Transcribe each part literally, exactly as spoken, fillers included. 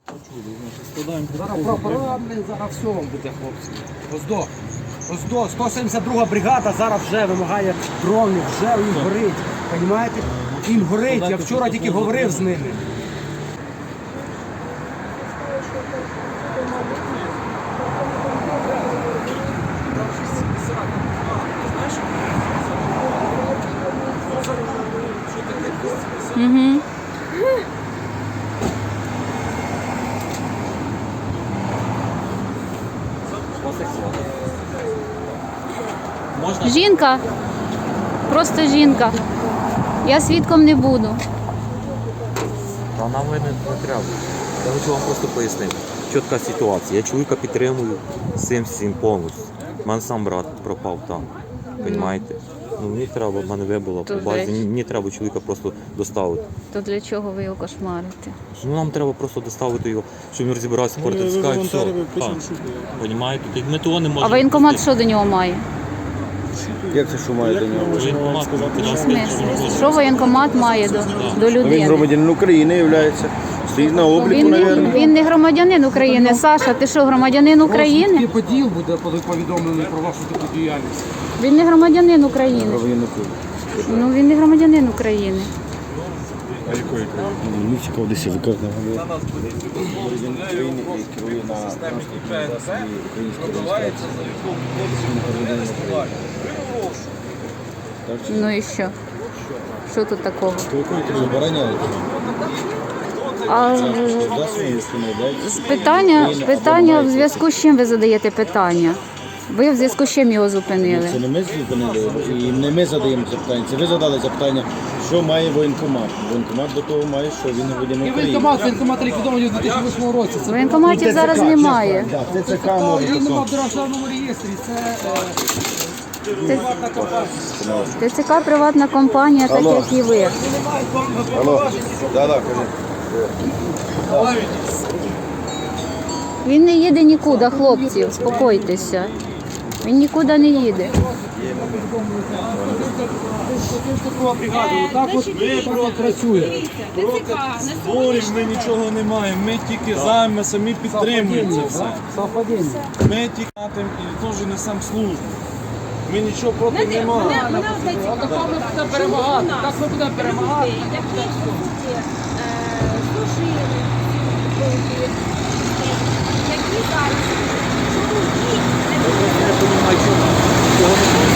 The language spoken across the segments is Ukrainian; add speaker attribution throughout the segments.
Speaker 1: Зараз прапора, зараз все вам буде, хлопці. Ось до, ось до, сто сімдесят друга бригада зараз вже вимагає дронів, вже їм горить. Понімаєте? Їм горить, я вчора тільки говорив з ними.
Speaker 2: Угу. Жінка. Просто жінка. Я свідком не буду.
Speaker 3: Та нам не, не треба. Я хочу вам просто пояснити. Чітка ситуація. Я чоловіка підтримую всім всім повністю. У мене сам брат пропав там. Понімаєте? Ну, мені треба, в мене вибило по базі. Мені треба чоловіка просто доставити.
Speaker 2: То для чого ви його кошмарите?
Speaker 3: Ну, нам треба просто доставити його, щоб він розібрався, кортицька і все. Понімаєте? Ми того не можемо.
Speaker 2: А воєнкомат що до нього має?
Speaker 4: Як це що має до нього?
Speaker 3: Воєнкомат,
Speaker 2: В смислі? Що воєнкомат має до, до
Speaker 4: Він
Speaker 2: людини?
Speaker 4: громадянин України є. Стоїть на обліку,
Speaker 2: Він не,
Speaker 4: мабуть.
Speaker 2: він не громадянин України. Саша, ти що, громадянин України?
Speaker 1: Розвідки поділ буде повідомлений про вашу таку діяльність.
Speaker 2: Він не громадянин України.
Speaker 4: Громадянин України.
Speaker 2: Ну він не громадянин України.
Speaker 4: А якої країни? Мені цікаво, десь я викажу. Громадянин України і керує на транспортній засобі української реєстрації.
Speaker 2: Ну і що? Що тут такого?
Speaker 4: Забороняється.
Speaker 2: А з питання, питання в зв'язку з чим ви задаєте питання? Ви в зв'язку з чим його зупинили?
Speaker 4: Це не ми зупинили, і не ми задаємо запитання. Це ви задали запитання, що має воєнкомат. Воєнкомат до того має, що він громадянин
Speaker 1: І
Speaker 4: України.
Speaker 1: воєнкомат, воєнкомат ліквідований у дві тисячі восьмому році. Це
Speaker 2: Воєнкоматів зараз немає.
Speaker 4: Так, це ЦК може
Speaker 1: він нема
Speaker 4: такого.
Speaker 1: в державному реєстрі. Це приватна компанія.
Speaker 2: ТЦК приватна компанія, так як і ви.
Speaker 4: Алло, да, да, кажи.
Speaker 2: Він не їде нікуди, хлопці, успокойтеся. Він нікуди не їде.
Speaker 1: Друга бригада, отак от так працює.
Speaker 5: Зборів ми нічого не маємо, ми тільки за, ми самі підтримуємо це все.
Speaker 1: Совпадіння.
Speaker 5: Ми тільки і теж несемо службу. Ми нічого проти не маємо.
Speaker 1: Так ми будемо перемагати, так ми будемо перемагати.
Speaker 6: Які служили, які зараз, чому їх
Speaker 3: Я розумію, чого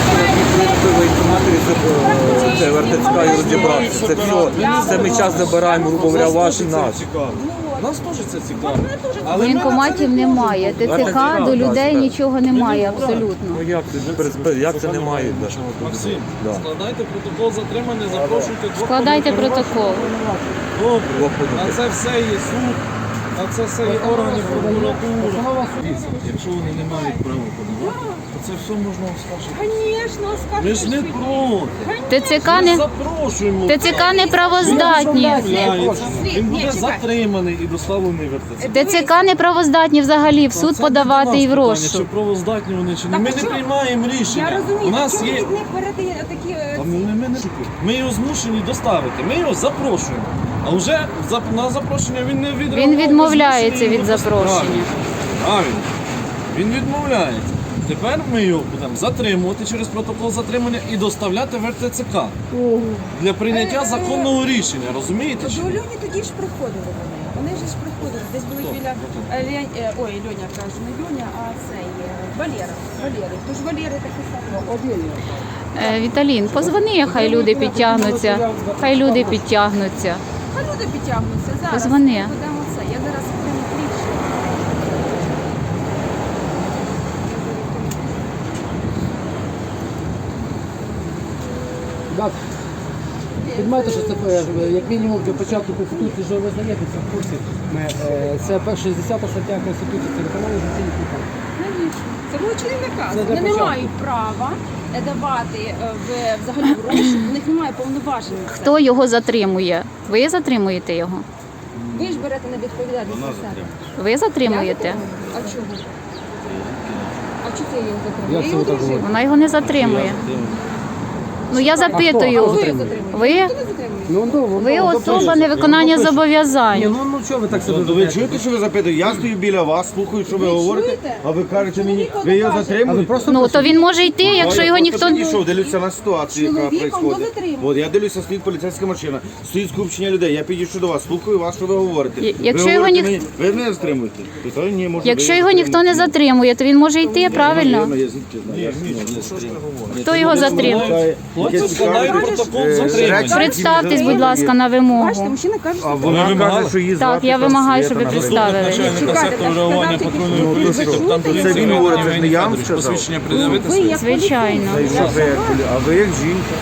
Speaker 3: це ВРТЦК і розібратися. Це все, це ми час забираємо, грубо говоря, ваш і наш.
Speaker 5: Нас теж це цікаво.
Speaker 2: Воєнкоматів немає. ТЦК до людей нічого немає абсолютно.
Speaker 3: Ну як це, як це немає?
Speaker 5: Максим,
Speaker 3: Да.
Speaker 5: складайте протокол затримання, запрошуйте двох
Speaker 2: Складайте
Speaker 5: повноважених.
Speaker 2: протокол.
Speaker 5: Добре. На це все є суд, на це все є органи прокуратури. Якщо вони не мають права подавати, то це все можна оскаржити.
Speaker 6: Звісно,
Speaker 5: Ми ж не проти.
Speaker 2: ТЦК
Speaker 5: Ми
Speaker 2: не,
Speaker 5: запрошуємо.
Speaker 2: ТЦК не правоздатні.
Speaker 5: Він буде затриманий і доставлений в РТЦ.
Speaker 2: ТЦК не правоздатні взагалі в суд
Speaker 5: Це
Speaker 2: подавати
Speaker 5: не
Speaker 2: і в
Speaker 5: до нас питання, Чи
Speaker 2: розшук.
Speaker 5: правоздатні вони чи ні. Ми не приймаємо рішення.
Speaker 6: Я розумію,
Speaker 5: У нас
Speaker 6: чому
Speaker 5: є.
Speaker 6: від них передає такі... е,
Speaker 5: Та ми, ми, не- ми його змушені доставити. Ми його запрошуємо. А вже за- на запрошення він не відреагував.
Speaker 2: Він
Speaker 5: ми
Speaker 2: відмовляється
Speaker 5: змушені
Speaker 2: від
Speaker 5: його
Speaker 2: запрошення.
Speaker 5: доставити. Правильно. Він відмовляється. Тепер ми його будемо затримувати через протокол затримання і доставляти в РТЦК для прийняття законного рішення. Розумієте? чи
Speaker 6: До
Speaker 5: ні?
Speaker 6: Льоні тоді ж приходили вони. Вони ж ж приходили. Десь були біля... е, Лень- е, Ой, Льоня кажу, не Льоня, а це є Валера. Валери. Тож Валери такі самі.
Speaker 2: Е, Віталін, позвони, хай люди підтягнуться. Хай люди підтягнуться.
Speaker 6: А люди підтягнуться зараз.
Speaker 2: Позвони.
Speaker 6: Ми будемо це. Я зараз прямо кліпшу.
Speaker 1: Так. Підмайте, що це е, як мінімум для початку Конституції, що ви знаєте, це в курсі. Ми, е, Це шістдесята стаття Конституції, це виконання конституційних прав.
Speaker 6: Звісно. Це злочинний наказ.
Speaker 1: Це для
Speaker 6: Вони не
Speaker 1: початку.
Speaker 6: мають права е, давати е, в, взагалі в розшук. У них немає повноважень. на це.
Speaker 2: Хто його затримує? Ви затримуєте його?
Speaker 6: Ви ж берете на відповідальність на себе.
Speaker 2: Ви затримуєте?
Speaker 6: Я затримую? А чого? А чого ти її затримує?
Speaker 1: Як
Speaker 6: Я
Speaker 1: це
Speaker 6: її
Speaker 1: ви так
Speaker 6: одружила.
Speaker 2: Вона його не затримує. Ну я
Speaker 1: А
Speaker 2: запитую,
Speaker 1: хто?
Speaker 2: ви,
Speaker 1: Ну, ну,
Speaker 2: ви
Speaker 1: ну,
Speaker 2: особа
Speaker 1: допишете.
Speaker 2: невиконання
Speaker 1: Ну, допишете. Ні,
Speaker 2: зобов'язань.
Speaker 1: ну, ну чого ви так себе
Speaker 4: Ну, ви
Speaker 1: ведете?
Speaker 4: чуєте, що ви запитуєте? Я стою біля вас, слухаю, що ви говорите,
Speaker 6: чуєте?
Speaker 4: а ви кажете мені,
Speaker 6: Чоловік
Speaker 4: ви його
Speaker 6: каже.
Speaker 1: А ви
Speaker 4: затримуєте?
Speaker 1: просто
Speaker 2: Ну то він може йти, якщо його ніхто не.
Speaker 4: Пішов, дивлюся на ситуацію, яка
Speaker 6: Чоловіком
Speaker 4: відбувається.
Speaker 6: до затримання.
Speaker 4: От я дивлюся, стоїть поліцейська машина, стоїть скупчення людей. Я підійшов до вас, слухаю вас, що ви говорите.
Speaker 2: Я-
Speaker 4: Ви
Speaker 2: якщо його
Speaker 4: говорите
Speaker 2: ніх-
Speaker 4: мені, ви не затримуєте. Питаю, ні, може,
Speaker 2: Якщо
Speaker 4: ви
Speaker 2: його ніхто не
Speaker 4: затримуєте.
Speaker 2: затримує, то він може йти, правильно?
Speaker 4: Навірно, я звідки знаю, я ж не затримую.
Speaker 2: Хто його затримує?
Speaker 5: Хлопці складають протокол
Speaker 4: Е,
Speaker 5: затримання.
Speaker 4: речі-
Speaker 2: Представтесь, будь ласка, на
Speaker 6: Бачите,
Speaker 2: вимогу.
Speaker 6: мужчина каже,
Speaker 4: А
Speaker 6: що
Speaker 4: вона
Speaker 5: вимагали?
Speaker 4: каже, що її
Speaker 2: Так,
Speaker 4: звати
Speaker 2: я
Speaker 4: там
Speaker 2: вимагаю,
Speaker 4: Света,
Speaker 2: щоб ви
Speaker 4: наприклад.
Speaker 2: представили.
Speaker 5: Начальника
Speaker 6: Чекайте,
Speaker 5: сектору
Speaker 6: так
Speaker 5: реагування
Speaker 6: сказав
Speaker 5: патрульної
Speaker 6: тільки,
Speaker 5: поліції,
Speaker 6: що ви
Speaker 5: капітан
Speaker 6: чуєте?
Speaker 5: поліції
Speaker 4: Це він говорить,
Speaker 5: Іван
Speaker 4: це ж не я вам
Speaker 5: Федорович.
Speaker 4: сказав.
Speaker 5: Посвідчення пред'явити
Speaker 6: Ви
Speaker 5: своє.
Speaker 6: як
Speaker 2: Звичайно.
Speaker 4: Та й що ви як полі- А ви як жінка?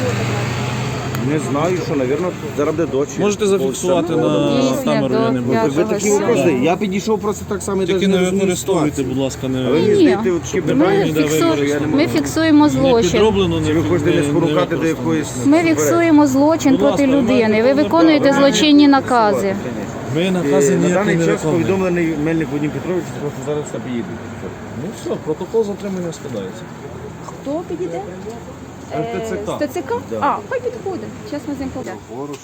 Speaker 4: Не знаю, що, напевно, зараз буде дочі.
Speaker 5: Можете зафіксувати на
Speaker 2: Дійсно,
Speaker 5: камеру, я не
Speaker 2: до
Speaker 5: буду.
Speaker 4: Ви
Speaker 2: п'ятого
Speaker 4: такі
Speaker 2: січня.
Speaker 4: вопроси. Я підійшов просто так само і
Speaker 5: Тільки
Speaker 4: навіть
Speaker 5: не
Speaker 4: не розумію
Speaker 5: використовуйте,
Speaker 4: ситуацію.
Speaker 5: будь ласка,
Speaker 4: А ви
Speaker 5: не
Speaker 4: мені
Speaker 2: Ні.
Speaker 4: здаєте от такі
Speaker 2: Ми,
Speaker 4: питання, де ви
Speaker 2: фіксу...
Speaker 4: може, я не
Speaker 2: ми
Speaker 4: можу.
Speaker 2: фіксуємо
Speaker 5: не
Speaker 2: злочин.
Speaker 5: підроблено, не
Speaker 4: Чи ви хочете не спонукати до
Speaker 5: використовуйте.
Speaker 4: якоїсь...
Speaker 2: Ми фіксуємо злочин
Speaker 5: Будь
Speaker 2: проти
Speaker 5: ласка, ви
Speaker 2: людини.
Speaker 5: маєте
Speaker 2: Ви
Speaker 5: повне
Speaker 2: виконуєте
Speaker 5: право.
Speaker 2: злочинні накази.
Speaker 5: Ми накази
Speaker 4: Е, На
Speaker 5: ніякі
Speaker 4: даний
Speaker 5: не
Speaker 4: час
Speaker 5: виконуємо.
Speaker 4: повідомлений Мельник Вадим Петрович, що зараз все поїде.
Speaker 5: Ну все, протокол затримання складається.
Speaker 6: Хто підійде?
Speaker 5: РТЦК.
Speaker 6: З ТЦК? А, хай підходить. Зараз ми з ним поговоримо.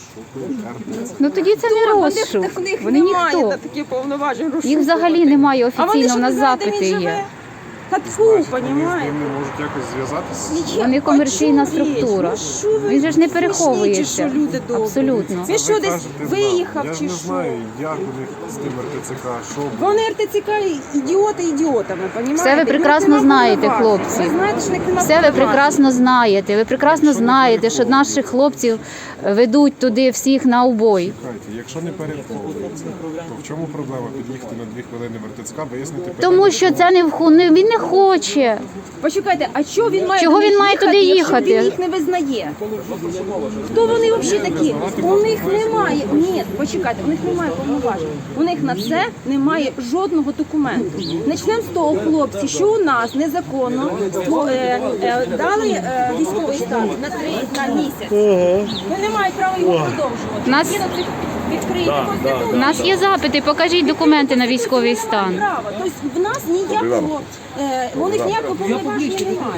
Speaker 2: Ну тоді це не розшук.
Speaker 6: В них
Speaker 2: Вони
Speaker 6: немає
Speaker 2: ніхто.
Speaker 6: на такі повноважень.
Speaker 2: Їх взагалі немає
Speaker 6: А вони
Speaker 2: офіційно,
Speaker 6: що
Speaker 2: в
Speaker 6: не
Speaker 2: нас
Speaker 6: знають, де
Speaker 2: запити
Speaker 6: він
Speaker 2: є.
Speaker 6: живе? Та тьфу, понімаєте?
Speaker 7: можуть якось зв'язатися.
Speaker 2: Вони комерційна структура.
Speaker 6: Ну, що ви
Speaker 2: Він же ж не
Speaker 6: смішні,
Speaker 2: переховується.
Speaker 6: чи що, люди добрі?
Speaker 2: Абсолютно.
Speaker 6: Він що, десь
Speaker 7: Кажете,
Speaker 6: виїхав
Speaker 7: я
Speaker 6: чи
Speaker 7: ж не
Speaker 6: що?
Speaker 7: знаю, як у них з тим РТЦК, що було.
Speaker 6: Вони РТЦК ідіоти ідіотами, понімаєте?
Speaker 2: Все ви прекрасно знаєте, хлопці.
Speaker 6: Ви знаєте, що в них немає
Speaker 2: Все ви прекрасно знаєте. Ви прекрасно знаєте, що наших хлопців ведуть туди всіх на убой.
Speaker 7: Чекайте, якщо не переховується, то в чому проблема під'їхати на дві хвилини в РТЦК, вияснити
Speaker 2: Тому
Speaker 7: питання?
Speaker 2: що це не вху- не він не хоче.
Speaker 6: Почекайте, а чого він має
Speaker 2: Чого
Speaker 6: до них
Speaker 2: він має туди
Speaker 6: якщо
Speaker 2: їхати?
Speaker 6: він їх не визнає? Хто вони взагалі такі? У них немає. Ні, почекайте, у них немає повноважень. У них на це немає жодного документу. Почнемо з того, хлопці, що у нас незаконно ство- е, е, дали е, військовий стан на три на місяць. Ви не маєте права його продовжувати.
Speaker 2: Нас-
Speaker 6: Згідно цих відкрийте конституцію.
Speaker 2: У нас є запити, покажіть документи на військовий стан.
Speaker 6: Право. Тобто в нас ніякого, е, у них ніякого повноваження немає.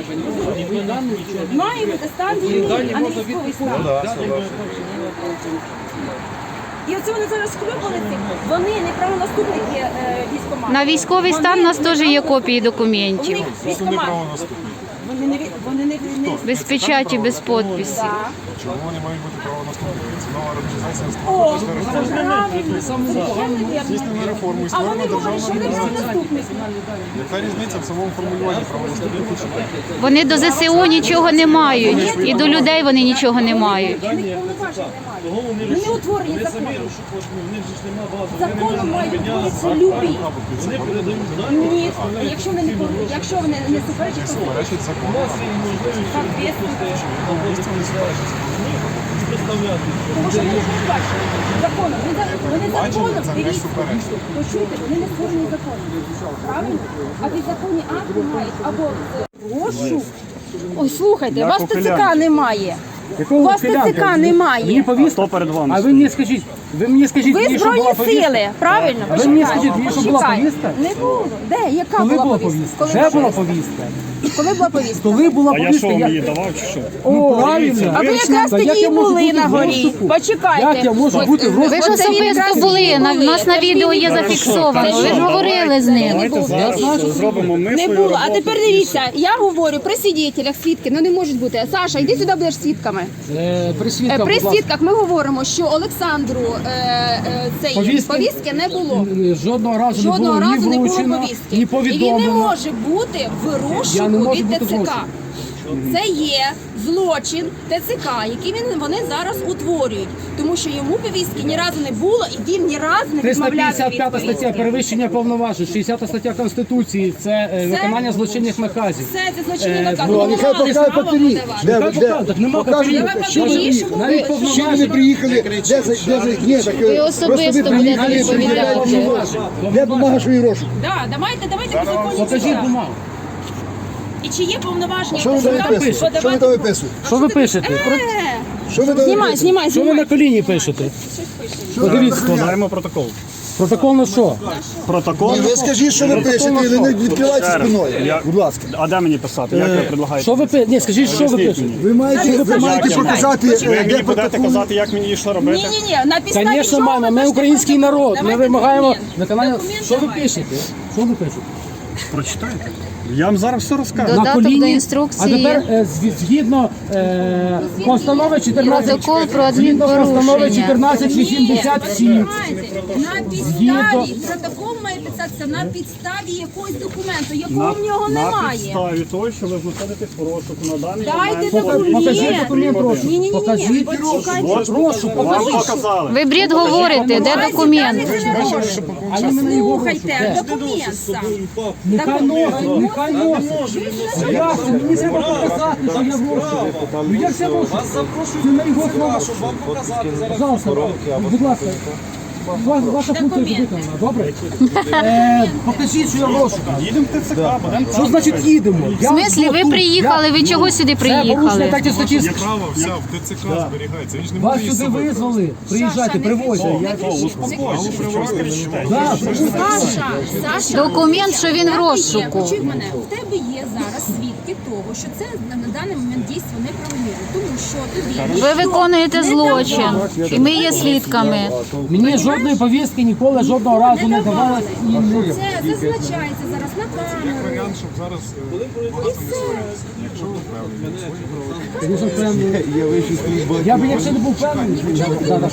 Speaker 6: Має бути стан війни, а не військовий стан. І оце вони зараз склюпали цим. Вони неправонаступники е, військкомату.
Speaker 2: На військовий стан у нас теж є копії документів.
Speaker 6: Вони військкомат. Вони не, від- вони не, не,
Speaker 2: Без печаті, без підпису.
Speaker 6: Да.
Speaker 7: Чому вони мають бути правонаступники? Це нова організація
Speaker 6: О,
Speaker 7: створена
Speaker 6: це правильно, совершенно вірно.
Speaker 7: реформу і
Speaker 6: А вони
Speaker 7: створена
Speaker 6: говорять, що вони
Speaker 7: державна
Speaker 6: правонаступники.
Speaker 7: Яка різниця в самому формулюванні правонаступників? чи ні?
Speaker 2: Вони до ЗСУ нічого не мають, і до людей вони нічого не мають.
Speaker 6: У них повноважень немає. Вони утворені законом. Законом мають бути любі. Ні, якщо вони не пов- якщо вони не суперечать, то
Speaker 7: Суперечить закону.
Speaker 6: тому що вони не бачать законом. Вони за- Вони законом,
Speaker 7: це не
Speaker 6: дивіться,
Speaker 7: суперечить.
Speaker 6: почуйте, вони не створені законом. Правильно? А підзаконні акти мають або розшук. Ой, слухайте, у вас ТЦК немає.
Speaker 1: Якого
Speaker 6: У вас
Speaker 1: ухилянка?
Speaker 6: ТЦК немає.
Speaker 1: Мені повістка. А ви мені скажіть, ви мені скажіть,
Speaker 6: Ви
Speaker 1: мені, що була
Speaker 6: збройні
Speaker 1: повістка?
Speaker 6: сили, правильно?
Speaker 1: А ви мені
Speaker 6: Почекайте,
Speaker 1: скажіть, мені, що була
Speaker 6: почекайте.
Speaker 1: повістка?
Speaker 6: Не було. Де? Яка
Speaker 1: Коли
Speaker 6: була
Speaker 1: була
Speaker 6: повістка?
Speaker 1: повістка?
Speaker 6: Коли
Speaker 1: Вже була
Speaker 6: повістка?
Speaker 1: повістка.
Speaker 6: Коли була повістка?
Speaker 1: Коли була повістка? Я
Speaker 7: давав чи що?
Speaker 1: Ну, правильно.
Speaker 6: А ви якраз
Speaker 1: Та як
Speaker 6: тоді
Speaker 1: я можу
Speaker 6: були
Speaker 1: бути
Speaker 6: на
Speaker 1: в
Speaker 6: горі.
Speaker 1: розшуку?
Speaker 6: Почекайте.
Speaker 1: Як я можу
Speaker 6: Ось,
Speaker 1: бути в
Speaker 6: ви
Speaker 2: Ви ж
Speaker 1: розшуку?
Speaker 6: Оце він
Speaker 2: особисто
Speaker 6: якраз
Speaker 2: були,
Speaker 6: тоді
Speaker 2: на, у
Speaker 6: були.
Speaker 2: нас на
Speaker 6: Це ж
Speaker 2: відео
Speaker 6: він
Speaker 2: є
Speaker 6: був.
Speaker 2: зафіксовано.
Speaker 6: Це
Speaker 2: Ви ж
Speaker 6: він
Speaker 2: говорили з
Speaker 6: був.
Speaker 2: ним.
Speaker 6: Не було.
Speaker 7: зробимо ми
Speaker 6: Не було. А тепер дивіться, я говорю при свідетелях, свідки, ну не можуть бути. Саша, йди сюди, будеш свідками.
Speaker 1: Е, При
Speaker 6: Е,
Speaker 1: свідках,
Speaker 6: При
Speaker 1: будь ласка.
Speaker 6: свідках ми говоримо, що Олександру е, е, цієї
Speaker 1: Повістки?
Speaker 6: повістки не було.
Speaker 1: Жодного разу
Speaker 6: Жодного
Speaker 1: не було
Speaker 6: разу
Speaker 1: ні
Speaker 6: не було
Speaker 1: вручено,
Speaker 6: повістки.
Speaker 1: ні
Speaker 6: І він не
Speaker 1: повідомлено.
Speaker 6: може бути в
Speaker 1: Я не
Speaker 6: розшуку
Speaker 1: можу
Speaker 6: від
Speaker 1: бути в
Speaker 6: ТЦК.
Speaker 1: розшуку.
Speaker 6: Це є злочин ТЦК, який він, вони зараз утворюють. Тому що йому повістки ні разу не було, і він ні разу не
Speaker 1: триста
Speaker 6: відмовлявся
Speaker 1: п'ятдесят
Speaker 6: від
Speaker 1: п'ята стаття
Speaker 6: повістки.
Speaker 1: перевищення повноважень, шістдесята стаття Конституції це е, виконання злочинних наказів.
Speaker 6: Це, це злочинний
Speaker 1: Е,
Speaker 6: наказ.
Speaker 1: ну,
Speaker 6: Вони
Speaker 1: нехай
Speaker 6: не мали
Speaker 1: покажуть
Speaker 6: права
Speaker 1: папері.
Speaker 6: подавати.
Speaker 1: Де, де, так нема папірів.
Speaker 6: Давай
Speaker 1: Що ви-
Speaker 6: папері, що ви-
Speaker 1: навіть
Speaker 6: що ви
Speaker 1: повноважень.
Speaker 8: приїхали, де за, де за, ні, так,
Speaker 2: Ви особисто будете відповідати.
Speaker 8: де бумага, що і розшук?
Speaker 6: Да, давайте, давайте по законі.
Speaker 1: Покажіть
Speaker 6: сюди.
Speaker 1: бумагу.
Speaker 6: І чи є повноваження
Speaker 8: Що ви
Speaker 6: ТЦК
Speaker 8: там виписуєте? Що ви
Speaker 6: подавати?
Speaker 8: там виписуєте?
Speaker 1: Що ви пишете?
Speaker 6: Е,
Speaker 8: Що ви там
Speaker 6: Знімай,
Speaker 8: виписуєте?
Speaker 6: знімай,
Speaker 1: Що ви
Speaker 6: знімай.
Speaker 1: на коліні пишете? Подивіться.
Speaker 7: Складаємо протокол.
Speaker 1: Протокол на що?
Speaker 9: Протокол.
Speaker 8: Ви скажіть, що ви пишете, і не відкривайте спиною.
Speaker 9: Я-
Speaker 8: Будь ласка.
Speaker 9: А де мені писати? Як ви предлагаєте?
Speaker 1: Що ви пишете? Ні, скажіть, що ви
Speaker 9: Поясніть
Speaker 1: пишете?
Speaker 9: мені.
Speaker 8: Ви маєте, ви маєте
Speaker 9: Як я
Speaker 8: показати,
Speaker 9: Ви
Speaker 8: е,
Speaker 9: мені
Speaker 8: де
Speaker 9: будете
Speaker 8: протокол.
Speaker 9: казати, як мені і що робити?
Speaker 6: Ні, ні, ні, на підставі
Speaker 1: Звісно,
Speaker 6: чого
Speaker 1: маємо.
Speaker 6: ви
Speaker 1: Ми
Speaker 6: пишете
Speaker 1: український
Speaker 6: протокол?
Speaker 1: народ. Ми
Speaker 6: Давайте
Speaker 1: вимагаємо
Speaker 6: документ.
Speaker 1: виконання.
Speaker 6: Документ
Speaker 1: Що ви
Speaker 6: давайте.
Speaker 1: пишете? Що ви пишете?
Speaker 9: Прочитайте. Я вам зараз все розкажу.
Speaker 2: Додаток
Speaker 1: На коліні.
Speaker 2: до інструкції.
Speaker 1: А тепер е, зв- згідно е, постанови чотирнадцять
Speaker 2: Протокол про
Speaker 1: згідно постанови
Speaker 2: адмінпорушення.
Speaker 1: чотирнадцять вісімдесят сім.
Speaker 6: На
Speaker 1: Згідно-
Speaker 6: підставі, протокол має писатися на підставі якогось документу,
Speaker 9: На,
Speaker 6: якого в нього
Speaker 9: на
Speaker 6: немає.
Speaker 9: підставі того, що ви знаходитесь в розшуку на даний
Speaker 6: Дайте
Speaker 9: момент.
Speaker 6: документ.
Speaker 1: Покажіть документ розшуку.
Speaker 6: Ні, ні, ні,
Speaker 1: Покажіть
Speaker 6: ні. Почекайте.
Speaker 1: розшук.
Speaker 9: Вам
Speaker 1: Покажіть.
Speaker 9: показали.
Speaker 2: Ви бред говорите, де документ?
Speaker 1: А іменно його
Speaker 6: Слухайте,
Speaker 1: розшук. Де?
Speaker 6: документ сам.
Speaker 1: Нехай носить, нехай носить. Як це? Мені треба показати, що я в розшуку. Ну як це в розшуку? Це на його слова.
Speaker 5: Щоб вам показати зараз.
Speaker 1: Пожалуйста, будь ласка. Ва- Ваша функція вже виконана, добре? Е, Покажіть, що я в розшуку.
Speaker 9: Їдемо в ТЦК, будемо
Speaker 1: Що значить їдемо?
Speaker 2: В смислі, ви приїхали, ви чого сюди
Speaker 1: Це порушення
Speaker 2: приїхали?
Speaker 1: так і статті.
Speaker 7: Право вся в ТЦК зберігається. Він ж не
Speaker 1: Вас
Speaker 7: може її
Speaker 1: сюди
Speaker 7: собі.
Speaker 1: визвали. Приїжджайте, привозьте. Я- Да,
Speaker 6: Саша, Саша.
Speaker 2: Документ, що він в
Speaker 6: Є,
Speaker 2: розшуку.
Speaker 6: почуй мене, в тебе є зараз свідки того, що це на, на даний момент дійство неправомірне, тому що тобі
Speaker 2: Ви
Speaker 6: ніхто
Speaker 2: виконуєте
Speaker 6: не
Speaker 2: злочин,
Speaker 6: давав.
Speaker 2: і ми є свідками.
Speaker 1: Мені жодної повістки ніколи жодного разу не давалось і не.
Speaker 6: Це зазначається зараз на камеру.
Speaker 7: Варіант, щоб зараз е, багато не сваритися. Якщо ви впевнені, свої права.
Speaker 1: Звісно, впевнений. Я би, якщо не був впевнений, я б зараз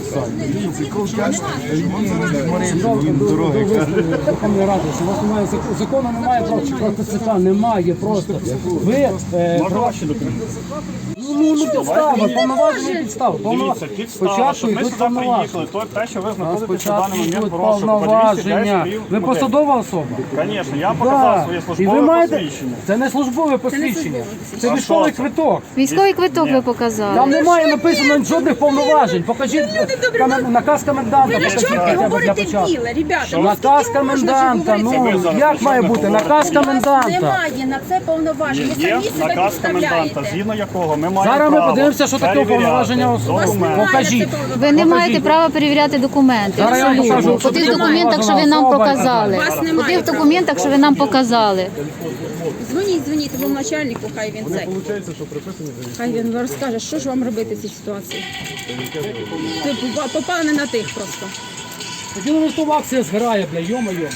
Speaker 1: Верховної Ради, що у вас немає зак- закону, немає про про ТЦК, немає просто. Ви е,
Speaker 9: Можна
Speaker 1: про-
Speaker 9: ваші документи?
Speaker 1: ну, ну підстава, повноваження підстава.
Speaker 9: Дивіться, підстава,
Speaker 1: Спочатку
Speaker 9: щоб ми
Speaker 1: йдуть
Speaker 9: сюди
Speaker 1: повноваження.
Speaker 9: приїхали, то те, що ви знаходитесь на
Speaker 1: Спочатку
Speaker 9: даний момент
Speaker 1: йдуть
Speaker 9: в розшуку.
Speaker 1: повноваження. Ви посадова особа?
Speaker 9: Звісно, я показав
Speaker 1: Да.
Speaker 9: своє
Speaker 1: І ви
Speaker 9: службове
Speaker 1: маєте...
Speaker 9: посвідчення.
Speaker 1: Це не службове посвідчення. Це
Speaker 9: А
Speaker 1: військовий
Speaker 9: що це?
Speaker 1: квиток.
Speaker 2: Військовий квиток ви
Speaker 1: Там
Speaker 2: показали.
Speaker 1: немає написано жодних повноважень. Покажіть каме- наказ коменданта.
Speaker 6: Ви
Speaker 1: покажіть
Speaker 6: що
Speaker 1: хоча
Speaker 6: ви
Speaker 1: б для
Speaker 6: говорите
Speaker 1: початку.
Speaker 6: біле, ребята? Ну,
Speaker 1: Наказ
Speaker 6: скільки можна
Speaker 1: коменданта.
Speaker 6: вже говорити?
Speaker 1: Ну
Speaker 9: зараз
Speaker 1: як
Speaker 9: почнете
Speaker 1: має бути?
Speaker 9: говорити.
Speaker 1: Наказ
Speaker 6: У вас
Speaker 1: коменданта.
Speaker 6: немає на це повноважень. Ви
Speaker 9: Є
Speaker 6: самі себе
Speaker 9: наказ коменданта,
Speaker 6: підставляєте.
Speaker 9: згідно якого ми маємо
Speaker 1: Зараз ми
Speaker 9: право
Speaker 1: подивимося, що таке
Speaker 9: перевіряти
Speaker 1: повноваження особи.
Speaker 9: документи.
Speaker 1: Покажіть.
Speaker 2: Ви не маєте
Speaker 1: Покажіть.
Speaker 2: права перевіряти документи.
Speaker 1: Зараз я вам
Speaker 2: Абсолютно.
Speaker 1: покажу,
Speaker 2: По
Speaker 1: що
Speaker 2: тих
Speaker 1: таке
Speaker 2: документах, що ви нам
Speaker 1: особа.
Speaker 2: показали.
Speaker 6: Вас
Speaker 2: По
Speaker 6: немає
Speaker 2: тих
Speaker 6: права.
Speaker 2: документах, що ви нам показали.
Speaker 6: Дзвоніть, дзвоніть тому начальнику, хай він це. Хай він розкаже, що ж вам робити в цій ситуації. Ти попа- попав не на тих просто.
Speaker 1: Тоді ну що акція згорає, бля, йо-моє, бля.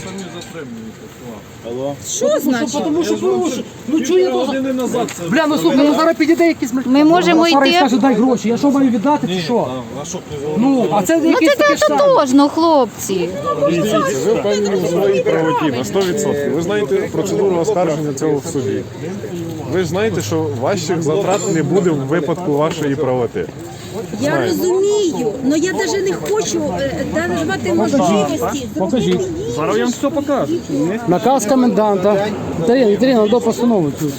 Speaker 6: Що значить?
Speaker 1: Тому що порушив. Ну чого я должен?
Speaker 5: Години назад це.
Speaker 1: Бля, ну слухай, ну зараз підійде якийсь...
Speaker 2: Ми можемо
Speaker 1: Зараз
Speaker 2: йти.
Speaker 1: скаже, дай гроші. Я що маю віддати чи що?
Speaker 5: А що
Speaker 1: Ну, а це
Speaker 2: Ну
Speaker 1: якийсь
Speaker 2: це
Speaker 1: такий штамп.
Speaker 2: тотожно, хлопці.
Speaker 7: Дивіться, ви впевнені в своїй правоті на сто відсотків. Ви знаєте процедуру оскарження цього в суді. Ви ж знаєте, що ваших затрат не буде в випадку вашої правоти.
Speaker 6: Я розумію, але я навіть не хочу е, давати можливості.
Speaker 1: Покажіть.
Speaker 9: Зараз я вам все покажу. Не
Speaker 1: Наказ коменданта. Віталіна, Віталіна, до постанови цю.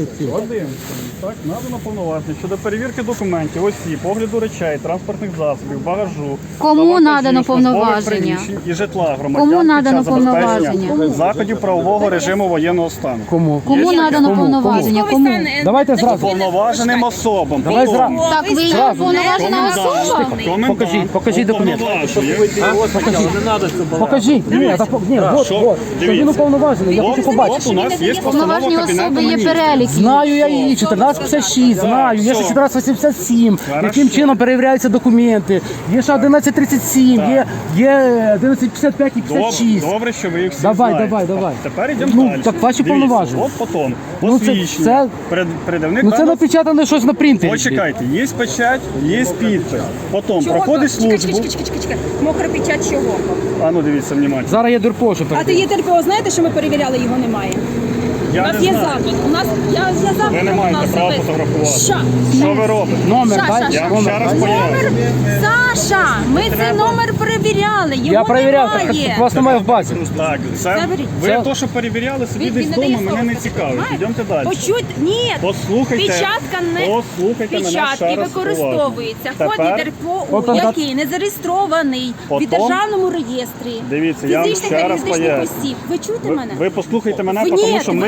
Speaker 9: Так, надано повноваження щодо перевірки документів, осіб, огляду речей, транспортних засобів, багажу.
Speaker 2: Кому
Speaker 9: та вантажів,
Speaker 2: надано
Speaker 9: службових
Speaker 2: повноваження?
Speaker 9: приміщень і житла громадян
Speaker 2: Кому
Speaker 9: під
Speaker 2: надано
Speaker 9: час забезпечення
Speaker 2: повноваження?
Speaker 9: заходів правового режиму воєнного стану.
Speaker 1: Кому?
Speaker 2: Кому надано повноваження? Кому?
Speaker 1: Давайте зразу.
Speaker 9: Повноваженим особам.
Speaker 1: Давай
Speaker 9: Потім.
Speaker 1: зразу.
Speaker 2: Так ви є повноважена особа?
Speaker 9: Комендант.
Speaker 1: Покажіть, покажіть документ.
Speaker 9: Уповноважує.
Speaker 1: Покажіть. Ні, так, ні, от,
Speaker 9: Що?
Speaker 1: от. Що він
Speaker 9: Дивіться.
Speaker 1: уповноважений, я хочу
Speaker 9: От,
Speaker 1: побачити.
Speaker 9: от у нас є постанова
Speaker 2: Повноважені
Speaker 9: Кабінету
Speaker 2: особи є
Speaker 9: Міністрів.
Speaker 2: перелік.
Speaker 1: Знаю я її, чотирнадцять п'ятдесят шість, знаю, є ще
Speaker 9: все.
Speaker 1: чотирнадцять вісімдесят сім,
Speaker 9: Хорошо.
Speaker 1: яким чином перевіряються документи, є ще одинадцять тридцять сім, є, є одинадцять п'ятдесят п'ять і п'ятдесят
Speaker 9: Добре,
Speaker 1: шість.
Speaker 9: добре, що ви їх всі
Speaker 1: Давай,
Speaker 9: знаєте.
Speaker 1: давай, давай.
Speaker 9: Тепер йдемо
Speaker 1: Ну,
Speaker 9: далі.
Speaker 1: так ваші
Speaker 9: Дивіться,
Speaker 1: повноваження.
Speaker 9: От потім.
Speaker 1: Ну, це-
Speaker 9: Посвідчення.
Speaker 1: це-
Speaker 9: Перед, передавник
Speaker 1: Ну це
Speaker 9: даного-
Speaker 1: напечатане щось на принтері.
Speaker 9: Почекайте, є печать, є підпис. Потім
Speaker 6: Чого?
Speaker 9: проходить
Speaker 6: Чекай,
Speaker 9: службу.
Speaker 6: чекай, чекай, чекай, чекай. Мокра печать чого?
Speaker 9: А ну дивіться, внимательно.
Speaker 1: Зараз я дурпошу
Speaker 6: А ти є ТРПО, знаєте, що ми перевіряли, його немає? У
Speaker 9: Я
Speaker 6: нас
Speaker 9: не
Speaker 6: є
Speaker 9: знаю.
Speaker 6: запит. У нас я, я запит.
Speaker 9: Ви не
Speaker 6: у
Speaker 9: маєте
Speaker 6: нас
Speaker 9: права
Speaker 6: особисто.
Speaker 9: фотографувати.
Speaker 6: Що?
Speaker 9: Що ви робите?
Speaker 1: Номер,
Speaker 6: Ша,
Speaker 1: дай.
Speaker 6: ша, ша.
Speaker 9: Я вам ще раз
Speaker 1: Номер, дай.
Speaker 9: поясню.
Speaker 6: Саша, ми цей номер перевіряли, його
Speaker 1: Я перевіряв, так,
Speaker 6: немає.
Speaker 1: так вас немає в базі.
Speaker 9: Так, це
Speaker 6: Заберіть.
Speaker 9: ви
Speaker 1: Це-
Speaker 9: то, що перевіряли собі
Speaker 6: Він-
Speaker 9: десь
Speaker 6: він не
Speaker 9: вдома,
Speaker 6: дає
Speaker 9: мене
Speaker 6: слова
Speaker 9: не
Speaker 6: сказати,
Speaker 9: цікавить.
Speaker 6: знаєте?
Speaker 9: Йдемте далі.
Speaker 6: Почуйте, ні.
Speaker 9: Послухайте,
Speaker 6: Печатка не
Speaker 9: послухайте мене ще
Speaker 6: печатки
Speaker 9: раз
Speaker 6: використовується.
Speaker 9: уважно.
Speaker 6: Код
Speaker 9: Тепер,
Speaker 6: ДРПО,
Speaker 1: От, от,
Speaker 6: який не зареєстрований в
Speaker 9: Потім-
Speaker 6: державному реєстрі.
Speaker 9: Дивіться, я вам
Speaker 6: Фізичних
Speaker 9: ще
Speaker 6: та
Speaker 9: раз
Speaker 6: юридичних
Speaker 9: поясню.
Speaker 6: осіб. Ви чуєте
Speaker 9: ви,
Speaker 6: мене?
Speaker 9: ви послухайте мене,
Speaker 6: Ви-
Speaker 9: тому
Speaker 6: ні,
Speaker 9: що
Speaker 6: ви
Speaker 9: ми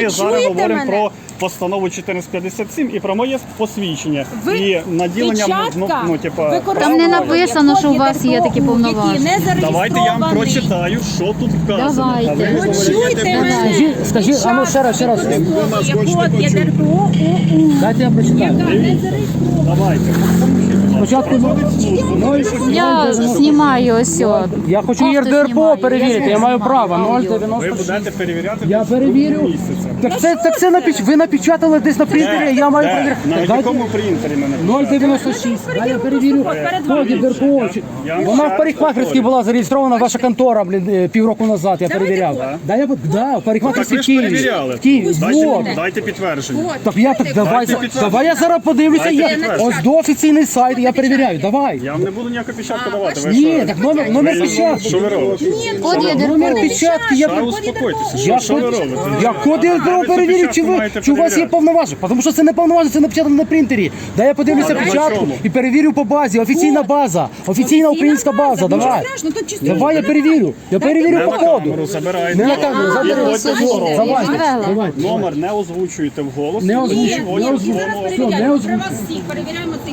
Speaker 9: зараз
Speaker 6: чуєте
Speaker 9: говоримо
Speaker 6: мене?
Speaker 9: про постанову чотирнадцять п'ятдесят сім і про моє посвідчення.
Speaker 6: Ви
Speaker 9: і наділення, ну,
Speaker 6: печатка
Speaker 9: ну, типа,
Speaker 6: використовує
Speaker 2: Там не написано, що у вас є такі
Speaker 6: ДРПО,
Speaker 2: повноваження.
Speaker 6: який не
Speaker 9: давайте я вам
Speaker 6: зареєстрований.
Speaker 9: прочитаю, що тут вказано.
Speaker 2: Давайте.
Speaker 9: А ви
Speaker 6: Ну,
Speaker 9: говорите,
Speaker 6: чуйте мене.
Speaker 1: Скажіть, скажіть, а ну ще раз, ще раз.
Speaker 6: Код є ДРПО ОУ.
Speaker 1: Дайте я прочитаю.
Speaker 6: Яка не зареєстрована.
Speaker 9: давайте.
Speaker 1: Спочатку
Speaker 2: Я знімаю ось. о.
Speaker 1: я хочу
Speaker 2: Кофту
Speaker 1: ЄРДРПО
Speaker 2: знімаю.
Speaker 1: перевірити, я маю право.
Speaker 9: Ви
Speaker 1: нуль дев'яносто шість.
Speaker 9: будете перевіряти
Speaker 1: Я
Speaker 9: десь
Speaker 1: перевірю.
Speaker 9: місяця.
Speaker 1: Так це, так це напіч... ви напечатали десь на принтері, я маю
Speaker 9: Де?
Speaker 1: перевірити.
Speaker 9: На
Speaker 1: Дайте-
Speaker 9: якому принтері мене?
Speaker 1: нуль дев'яносто шість. Дай я перевірю. Код ЄРДРПО. Чи-
Speaker 9: Я вам
Speaker 1: Вона
Speaker 9: ще
Speaker 1: в парикмахерській була зареєстрована, ваша контора, блін, е, півроку назад, я перевіряв.
Speaker 9: код.
Speaker 1: Дай я, да, в парикмахерській
Speaker 9: Так
Speaker 1: в
Speaker 9: ви ж
Speaker 1: Києві.
Speaker 9: перевіряли.
Speaker 1: В Києві.
Speaker 9: Дайте,
Speaker 1: Вот.
Speaker 9: дайте підтвердження.
Speaker 1: Так я так давай, давай я зараз подивлюся. Я, ось до офіційний сайт, я перевіряю. Давай.
Speaker 9: Я вам не буду ніяку печатку давати. Ви
Speaker 1: Ні,
Speaker 9: що?
Speaker 1: так номер, номер печатки.
Speaker 9: Що ви робите?
Speaker 2: Код є
Speaker 1: Номер
Speaker 2: ДРПО.
Speaker 1: печатки, я
Speaker 9: Та успокойтеся. Що,
Speaker 1: Я
Speaker 9: що ви
Speaker 1: код,
Speaker 9: робите?
Speaker 1: я код я
Speaker 9: А ви цю
Speaker 1: перевірю, чи,
Speaker 9: печатку
Speaker 1: ви,
Speaker 9: маєте
Speaker 1: чи у вас є
Speaker 9: перевіряти.
Speaker 1: повноваження. Тому що це не повноваження, це напечатано на принтері. Дай я подивлюся
Speaker 9: А на
Speaker 1: печатку
Speaker 9: чому?
Speaker 1: і перевірю по базі. Офіційна база. Офіційна українська база. Давай.
Speaker 6: Страшно, тут чисто.
Speaker 1: Давай я перевірю. Я перевірю
Speaker 9: Не
Speaker 1: по
Speaker 9: на
Speaker 1: коду.
Speaker 9: камеру забирайте.
Speaker 1: Не на камеру, забери.
Speaker 9: Підходьте
Speaker 2: Ось,
Speaker 9: до
Speaker 2: ось,
Speaker 1: Давай,
Speaker 2: відвела.
Speaker 1: давай.
Speaker 9: Номер не озвучуєте вголос.
Speaker 1: Не
Speaker 9: І
Speaker 1: озвучую,
Speaker 9: підходьте
Speaker 1: не
Speaker 9: до
Speaker 1: озвучую.
Speaker 9: свого-
Speaker 1: Все, не
Speaker 6: Перевіряємо. При
Speaker 1: озвучую.
Speaker 6: вас всіх перевіряємо цих.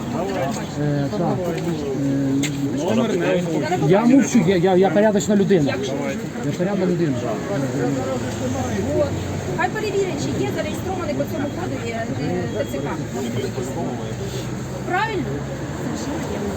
Speaker 9: Номер не озвучуєте.
Speaker 1: Я мовчу, я, я, я порядочна людина. Я порядна людина.
Speaker 6: От. Хай перевірять, чи є зареєстрований по цьому коду е, е, ТЦК. Правильно? Совершенно верно.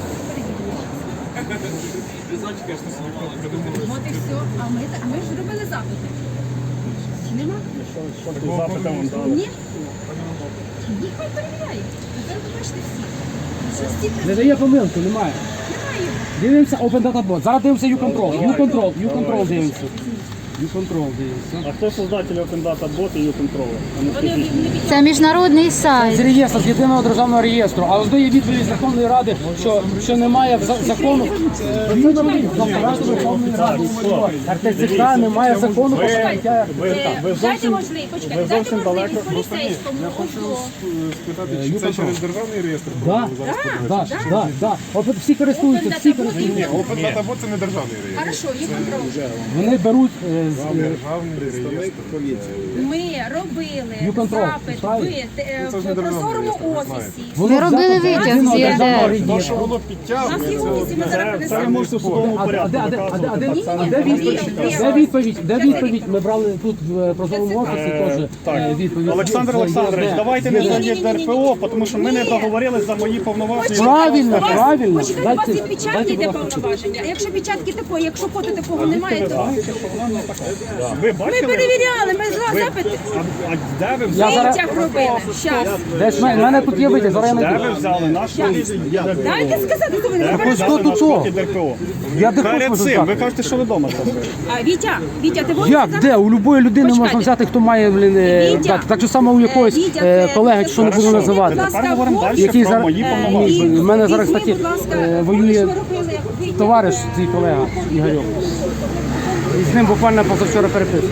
Speaker 6: Перевірили. От і все. А ми, так- ми ж робили запити. Чи нема?
Speaker 9: Запити вам дали.
Speaker 6: Ні? Ні, хай перевіряє. Зараз побачите всі. Що всі
Speaker 1: Не дає помилки, немає.
Speaker 6: немає.
Speaker 1: Дивимося Open Data Bot. Зараз дивимося U-Control. U-Control, U-Control дивимося. U-Control дивимося.
Speaker 9: А хто создатель Open Data Bot і U-Control? А не
Speaker 6: Вони
Speaker 9: скажіть.
Speaker 6: не
Speaker 2: Це міжнародний
Speaker 1: З
Speaker 2: сайт.
Speaker 1: реєстру, з єдиного державного реєстру. А ось до є відповідь з Верховної Ради, що, що немає в за- закону. Це нормально. Апарат Верховної Ради. РТЦК немає закону про прийняття.
Speaker 9: Ви, ви
Speaker 6: Дайте
Speaker 9: зовсім,
Speaker 6: можливість, почекайте,
Speaker 9: ви
Speaker 6: дайте
Speaker 9: зовсім далеко.
Speaker 6: можливість поліцейському.
Speaker 7: спитати, чи це через державний реєстр?
Speaker 1: Да, да, да, да. От всі користуються, всі користуються.
Speaker 7: Open Data Bot – це не державний реєстр.
Speaker 6: Хорошо, є контроль.
Speaker 1: Вони беруть е, з, е,
Speaker 7: Державний реєстр.
Speaker 6: Ми робили
Speaker 1: Ю-контроль,
Speaker 6: запит в
Speaker 1: правильно?
Speaker 6: е,
Speaker 7: Це ж не
Speaker 6: в
Speaker 7: державний
Speaker 6: прозорому
Speaker 7: реєстр, ви
Speaker 6: офісі.
Speaker 1: вони
Speaker 2: Ви робили
Speaker 1: взяти з
Speaker 2: витяг
Speaker 1: єдиного
Speaker 2: з
Speaker 1: державного
Speaker 2: ЄРДР.
Speaker 7: То, що
Speaker 1: реєстру.
Speaker 7: воно
Speaker 6: У нас
Speaker 7: підтягує,
Speaker 6: є в офісі, ми зараз
Speaker 9: Це, це ви
Speaker 6: принесемо.
Speaker 9: можете в судовому
Speaker 1: А де, а
Speaker 9: порядку
Speaker 1: де, а де, а де, а де,
Speaker 9: доказувати.
Speaker 1: а де відповідь? Де відповідь? Де відповідь? Ми брали тут в прозорому офісі теж
Speaker 9: Так.
Speaker 1: е, відповідь.
Speaker 9: Олександр
Speaker 1: Є,
Speaker 9: Олександрович,
Speaker 1: є,
Speaker 9: давайте
Speaker 1: є.
Speaker 9: не за ЄРДРПО, тому що ми не договорились за мої повноваження.
Speaker 1: Правильно,
Speaker 6: У вас-
Speaker 1: правильно.
Speaker 6: Почекайте, у вас
Speaker 1: Дайте-
Speaker 6: і печатки
Speaker 1: дайте,
Speaker 6: йде
Speaker 1: будь ласка.
Speaker 6: повноваження. А якщо печатки такої, якщо фото такого немає, то
Speaker 9: Ви
Speaker 6: ми
Speaker 9: бачили?
Speaker 6: перевіряли, ми за запити.
Speaker 9: А, а де ви
Speaker 1: Я
Speaker 9: взяли?
Speaker 1: зараз-
Speaker 6: Витяг робили. Щас.
Speaker 1: Десь в мене- в мене тут є витяг, зараз я
Speaker 9: Де
Speaker 1: знайду.
Speaker 9: ви взяли наш ЄРДРПО?
Speaker 6: Дайте сказати, то ви не
Speaker 9: Де ви
Speaker 6: перебачите.
Speaker 9: взяли
Speaker 1: тут
Speaker 9: наш
Speaker 1: то?
Speaker 9: код ЄРДРПО?
Speaker 1: Я де
Speaker 9: Перед
Speaker 1: можу
Speaker 9: цим,
Speaker 1: взяти.
Speaker 9: ви кажете, що ви вдома це робили.
Speaker 6: А, Вітя, Вітя, ти будеш
Speaker 1: Як,
Speaker 6: зараз?
Speaker 1: де? У будь-якої людини можна
Speaker 6: Почекайте.
Speaker 1: взяти, хто має, блін, е,
Speaker 6: Вітя,
Speaker 1: дати. Так же само у якогось
Speaker 6: е, Вітя,
Speaker 1: е,
Speaker 6: це-
Speaker 1: колеги,
Speaker 6: це
Speaker 1: що не буду
Speaker 6: хорошо.
Speaker 1: називати.
Speaker 6: Будь ласка,
Speaker 9: Тепер говоримо
Speaker 6: вон-
Speaker 9: далі
Speaker 1: Який
Speaker 9: про
Speaker 1: зараз-
Speaker 9: мої
Speaker 6: Е,
Speaker 9: повноваження.
Speaker 1: в мене зараз,
Speaker 6: візьми,
Speaker 1: кстати,
Speaker 6: будь ласка,
Speaker 1: е,
Speaker 6: ви
Speaker 1: воює
Speaker 6: ж ви робили, витяг,
Speaker 1: товариш,
Speaker 6: е,
Speaker 1: твій колега Ігорьов. І з ним буквально позавчора переписував.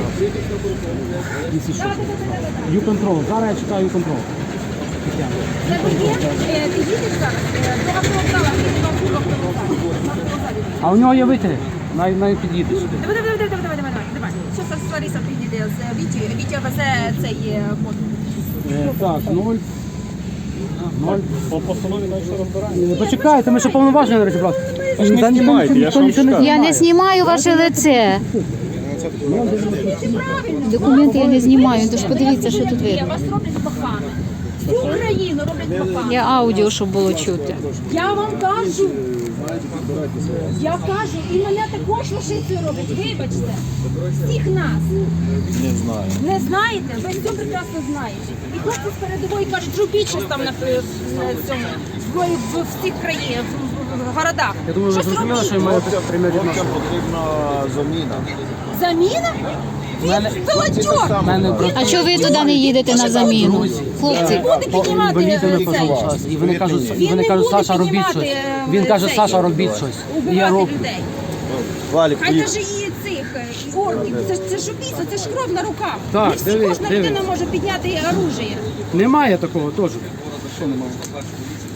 Speaker 1: U-Control. Зараз я чекаю U-Control.
Speaker 6: Це ви є? Е, Ти їдеш зараз е, до автовокзалу, їдеш до автовокзалу. На автовокзалі.
Speaker 1: А у нього є витяги. Най, най під'їде сюди.
Speaker 6: Давай, давай, давай, давай, давай, давай, давай. Зараз Лариса підійде з Віті. Вітя везе цей е, код.
Speaker 1: Е, так, нуль. Ноль.
Speaker 9: По постанові нашого розбирання.
Speaker 1: Е, Почекайте, ми ще повноваження не розібрали.
Speaker 9: ж не
Speaker 1: Та ніхто-
Speaker 9: знімайте, я
Speaker 1: ніхто
Speaker 9: ж вам
Speaker 1: нічого не
Speaker 9: скажу.
Speaker 2: Я не знімаю ваше лице. Документи я не знімаю, тож подивіться, що тут
Speaker 6: Є,
Speaker 2: видно.
Speaker 6: вас роблять пахами. Всю Україну роблять пахами.
Speaker 2: Я аудіо, щоб було чути.
Speaker 6: Я вам кажу. Я кажу, і мене також лошицею роблять. Вибачте. Всіх нас.
Speaker 5: Не знаю.
Speaker 6: Не знаєте? Ви все прекрасно знаєте. І хлопці з передової кажуть, робіть щось там на е, в цьому, в, в, в цих країнах, в, в, в городах.
Speaker 1: Я думаю, ви
Speaker 6: Щось
Speaker 1: зрозуміли,
Speaker 6: робіть.
Speaker 1: що я маю пряме відношення.
Speaker 5: Потрібна заміна.
Speaker 6: Заміна?
Speaker 1: Мене-
Speaker 6: Він холодьок.
Speaker 1: Мене брат-
Speaker 2: А чого ви туди не їдете на заміну? Хлопці,
Speaker 6: Буде піднімати
Speaker 1: Інваліди не
Speaker 6: е, цей.
Speaker 1: позивають. І вони кажуть, і
Speaker 6: Він
Speaker 1: вони
Speaker 6: не
Speaker 1: кажуть,
Speaker 6: буде
Speaker 1: Саша, робіть
Speaker 6: піднімати,
Speaker 1: щось.
Speaker 6: е,
Speaker 1: Він каже,
Speaker 6: цей,
Speaker 1: Саша, робіть щось. І я
Speaker 6: Убивати
Speaker 1: роблю.
Speaker 6: людей.
Speaker 5: Валік,
Speaker 6: Хай даже і цих е, і орків. Це, ж- це ж убійство, це ж кров на руках.
Speaker 1: Так,
Speaker 6: Не всі
Speaker 1: диви,
Speaker 6: кожна
Speaker 1: диви.
Speaker 6: людина може підняти оружие.
Speaker 1: Немає такого теж.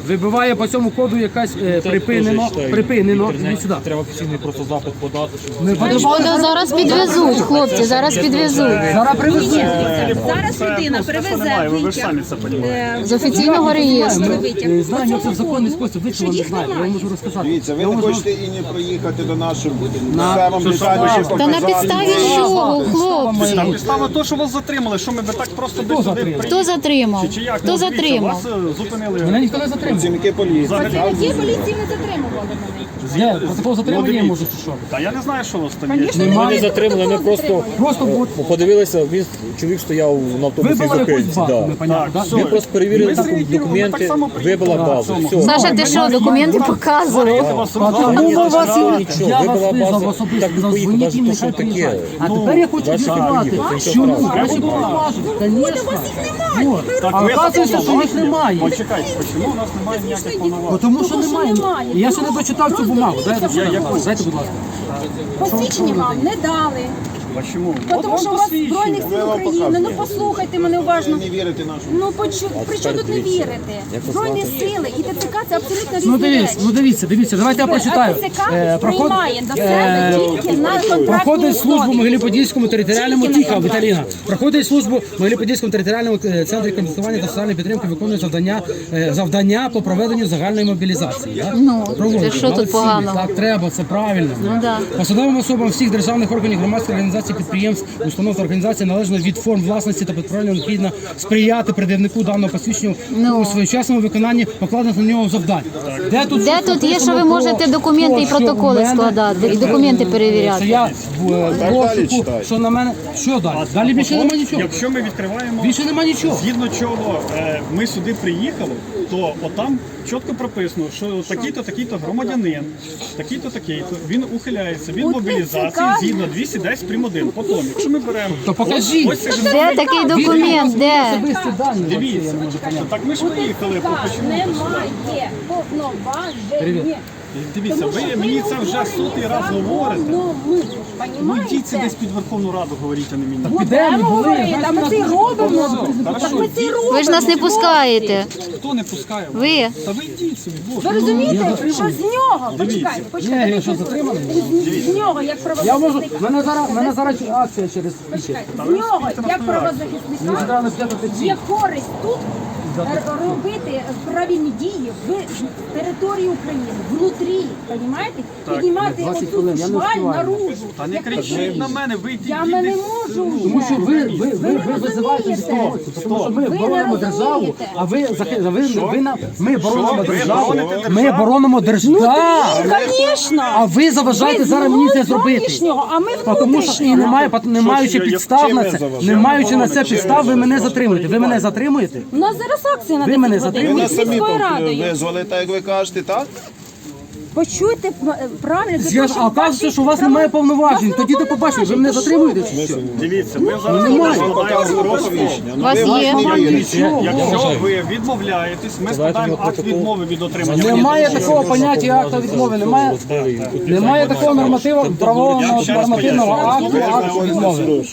Speaker 1: Вибиває по цьому коду якась е, припинено, припинено. Іди сюди.
Speaker 5: Треба офіційний просто запит подати, щоб
Speaker 1: Ми подивимося.
Speaker 2: Походу зараз підвезуть, хлопці, зараз підвезуть.
Speaker 1: Зараз привезуть.
Speaker 6: Зараз людина привезе
Speaker 9: немає, ви ж
Speaker 6: витяг.
Speaker 9: самі це розумієте.
Speaker 6: е,
Speaker 2: З офіційного реєстру.
Speaker 1: Ми знаємо, як це в законний спосіб. Ви чого не знаєте? Я вам можу розказати.
Speaker 4: Дивіться, ви
Speaker 1: Я
Speaker 4: не
Speaker 1: вам можу-
Speaker 4: хочете і не проїхати до нашого.
Speaker 1: На-
Speaker 4: Все вам
Speaker 1: що
Speaker 4: детальніше
Speaker 1: справа?
Speaker 2: Та на
Speaker 4: показати.
Speaker 2: підставі чого, хлопці?
Speaker 9: Там підстава то, що вас затримали, що ми би так просто десь сюди
Speaker 1: затримав?
Speaker 9: приїхали.
Speaker 2: Хто затримав?
Speaker 9: Чи як?
Speaker 2: Хто
Speaker 9: Ну, дивіться,
Speaker 2: затримав?
Speaker 9: Вас е, зупинили.
Speaker 1: Мене ніхто не затримав.
Speaker 4: Працівники поліції.
Speaker 6: Працівники поліції не затримували мене.
Speaker 1: Є протокол затримання, я можу чи що.
Speaker 9: Та я не знаю, що у вас там є.
Speaker 6: Звісно,
Speaker 5: Ми не
Speaker 6: немає
Speaker 5: затримали, ми
Speaker 6: протоколу
Speaker 5: просто
Speaker 6: затримання.
Speaker 1: Просто от
Speaker 5: подивилися, він чоловік стояв на автобусі
Speaker 1: вибила якусь
Speaker 5: зупинці.
Speaker 1: базу,
Speaker 5: Да.
Speaker 1: непонятно.
Speaker 9: Так,
Speaker 1: да?
Speaker 9: все.
Speaker 5: Ми просто перевірили
Speaker 9: Ми зреагували, ми так
Speaker 5: документи,
Speaker 9: само приїхали.
Speaker 5: вибила
Speaker 9: Да,
Speaker 5: базу.
Speaker 9: цьому.
Speaker 5: Все.
Speaker 2: Саша, ти що, документи показував?
Speaker 1: А тому ми вас і
Speaker 5: Нічого,
Speaker 1: я вас
Speaker 5: вибила
Speaker 1: визвав
Speaker 5: база,
Speaker 1: особисто,
Speaker 5: так
Speaker 1: сказав,
Speaker 5: поїхав,
Speaker 1: дзвоніть їм,
Speaker 5: навіть то,
Speaker 1: нехай
Speaker 5: що таке.
Speaker 1: приїжджають. А
Speaker 5: Ну,
Speaker 1: тепер я хочу
Speaker 5: дальше
Speaker 1: з'ясувати,
Speaker 5: приїхав,
Speaker 1: що
Speaker 5: нічого
Speaker 1: ну,
Speaker 5: страшного.
Speaker 1: краще було важити, звісно. Вот. А
Speaker 9: ви
Speaker 1: оказується, що їх немає.
Speaker 9: Почекайте, чому у нас немає ніяких повноважень?
Speaker 1: Тому що
Speaker 6: Тому що
Speaker 1: немає.
Speaker 6: немає.
Speaker 1: І Я ще не дочитав цю бумагу. Дайте, будь ласка. Дайте, будь ласка.
Speaker 6: Посвідчення вам не дали.
Speaker 9: А чому?
Speaker 6: Тому що у вас Збройних сил України. Ну послухайте мене уважно.
Speaker 4: Не вірите нашому.
Speaker 6: Ну почу... при чому тут не вірите? Збройні сили і ТЦК це абсолютно різні
Speaker 1: Ну дивіться,
Speaker 6: речі.
Speaker 1: ну дивіться, дивіться, давайте я прочитаю.
Speaker 6: А ТЦК
Speaker 1: Е, проход-
Speaker 6: приймає до себе
Speaker 1: е,
Speaker 6: тільки на контрактній
Speaker 1: Проходить службу в
Speaker 6: основі.
Speaker 1: Могилі-Подільському територіальному
Speaker 6: Тільки на
Speaker 1: тіха,
Speaker 6: контракті.
Speaker 1: Віталіна. Проходить службу в Могилі-Подільському територіальному е, центрі консультування та соціальної підтримки, виконує завдання, е, завдання по проведенню загальної мобілізації. да?
Speaker 2: Ну,
Speaker 1: Проводить.
Speaker 2: це що тут
Speaker 1: Молодці.
Speaker 2: поганого?
Speaker 1: Так треба, це правильно.
Speaker 2: Ну да.
Speaker 1: Посадовим особам всіх державних органів, громадських організацій, підприємств, установ та організацій належно від форм власності та підправлення необхідно сприяти пред'явнику даного посвідчення
Speaker 2: Ну.
Speaker 1: у своєчасному виконанні покладених на нього завдань. Де тут,
Speaker 2: Де
Speaker 1: щось
Speaker 2: тут є, що ви
Speaker 1: написано
Speaker 2: можете
Speaker 1: про
Speaker 2: документи
Speaker 1: те,
Speaker 2: і
Speaker 1: що
Speaker 2: протоколи
Speaker 1: в мене-
Speaker 2: складати, і документи
Speaker 1: Що
Speaker 2: перевіряти?
Speaker 1: я в е,
Speaker 4: далі
Speaker 1: розшуку,
Speaker 4: читайте.
Speaker 1: що на мене. Що далі? Далі більше нема нічого.
Speaker 9: Якщо ми відкриваємо,
Speaker 1: Більше нема нічого.
Speaker 9: згідно чого е, ми сюди приїхали, то отам чітко прописано, що такий-то, такий-то громадянин, такий-то, такий-то, він ухиляється від
Speaker 6: От
Speaker 9: мобілізації
Speaker 6: це
Speaker 9: згідно двісті десять прим. один. Потім, якщо ми беремо...
Speaker 1: То покажіть.
Speaker 9: Ось це ж
Speaker 2: Де такий документ? Де?
Speaker 1: Особисті дані.
Speaker 9: Дивіться, так ми ж приїхали,
Speaker 6: ТЦК
Speaker 9: почему?
Speaker 6: немає повноважень.
Speaker 9: Дивіться, ви мені це вже сотий раз говорите.
Speaker 6: Ну,
Speaker 9: Ну йдіть це десь під Верховну Раду, говоріть, а не мені.
Speaker 1: Підемо,
Speaker 6: Будемо
Speaker 1: були,
Speaker 6: говорити, а ми це й робимо.
Speaker 9: Хорошо.
Speaker 6: Так ми це й робимо.
Speaker 2: Ви ж нас не пускаєте.
Speaker 9: Хто не пускає?
Speaker 2: Ви.
Speaker 9: Та ви йдіть собі, боже.
Speaker 6: Ви розумієте, що з нього, почекайте,
Speaker 1: Ні,
Speaker 6: почекайте,
Speaker 1: я що, затриманий?
Speaker 6: з нього, як
Speaker 1: Я можу,
Speaker 6: правозахисника,
Speaker 1: мене зараз, мене зараз акція через пічі.
Speaker 6: почекайте, з нього, як
Speaker 1: Мені
Speaker 6: правозахисника,
Speaker 1: треба взяти ці.
Speaker 6: є користь тут р- робити правильні дії в території України, внутрі, розумієте? Піднімати
Speaker 1: двадцять
Speaker 6: оцю
Speaker 1: хвилин, я не
Speaker 6: шваль
Speaker 1: встигаю.
Speaker 6: наружу.
Speaker 9: Та не
Speaker 6: як
Speaker 9: кричіть
Speaker 6: потрібно.
Speaker 9: на мене, ви йдіть.
Speaker 6: Я
Speaker 9: йдіть
Speaker 6: мене
Speaker 9: десь.
Speaker 6: можу
Speaker 1: Тому
Speaker 6: вже.
Speaker 1: що ви, ви, ви, ви
Speaker 6: не
Speaker 1: визиваєте
Speaker 6: розумієте.
Speaker 1: військову, тому що ми
Speaker 6: Ви не
Speaker 1: боронимо державу,
Speaker 6: розумієте.
Speaker 1: а ви, захи- ви, ви, на- ми боронимо
Speaker 9: Ви
Speaker 1: державу,
Speaker 9: бороните
Speaker 1: ми
Speaker 9: державу?
Speaker 1: боронимо державу.
Speaker 6: Звісно.
Speaker 1: А ви заважаєте зараз мені це зробити.
Speaker 6: Зовнішнього, а ми
Speaker 1: Тому що і
Speaker 6: внутрішнього.
Speaker 1: немає, не маючи
Speaker 9: я-
Speaker 1: підстав
Speaker 9: чим
Speaker 1: на
Speaker 9: я
Speaker 1: це,
Speaker 9: заважаю?
Speaker 1: не маючи на це
Speaker 9: Чим я
Speaker 1: підстав, ви мене
Speaker 9: заважаю?
Speaker 1: затримуєте. Ви мене затримуєте?
Speaker 6: У нас зараз акція на
Speaker 1: Ви мене
Speaker 6: десять годин.
Speaker 1: затримуєте?
Speaker 4: Ви нас самі
Speaker 6: Міською радою.
Speaker 4: визвали, так як ви кажете, так?
Speaker 6: Почуйте п- правильно. для
Speaker 1: Я
Speaker 6: того,
Speaker 1: ж,
Speaker 6: щоб
Speaker 1: а кажете,
Speaker 6: ваші
Speaker 1: що у вас
Speaker 6: права-
Speaker 1: немає повноважень.
Speaker 6: Вас
Speaker 1: Тоді
Speaker 6: немає
Speaker 1: ти побачите, ви мене
Speaker 6: повноважень,
Speaker 1: затримуєте
Speaker 6: то
Speaker 1: чи що?
Speaker 9: Дивіться, ми зараз
Speaker 1: Немає.
Speaker 9: складаємо
Speaker 4: Показували
Speaker 9: протокол.
Speaker 4: посвідчення.
Speaker 2: У вас
Speaker 4: Ну, ви
Speaker 2: є?
Speaker 4: не вірите.
Speaker 9: Якщо, якщо ви відмовляєтесь, ми складаємо акт відмови від отримання.
Speaker 1: Немає такого поняття акта відмови, немає, немає такого нормативу, правового нормативного акту, акту відмови.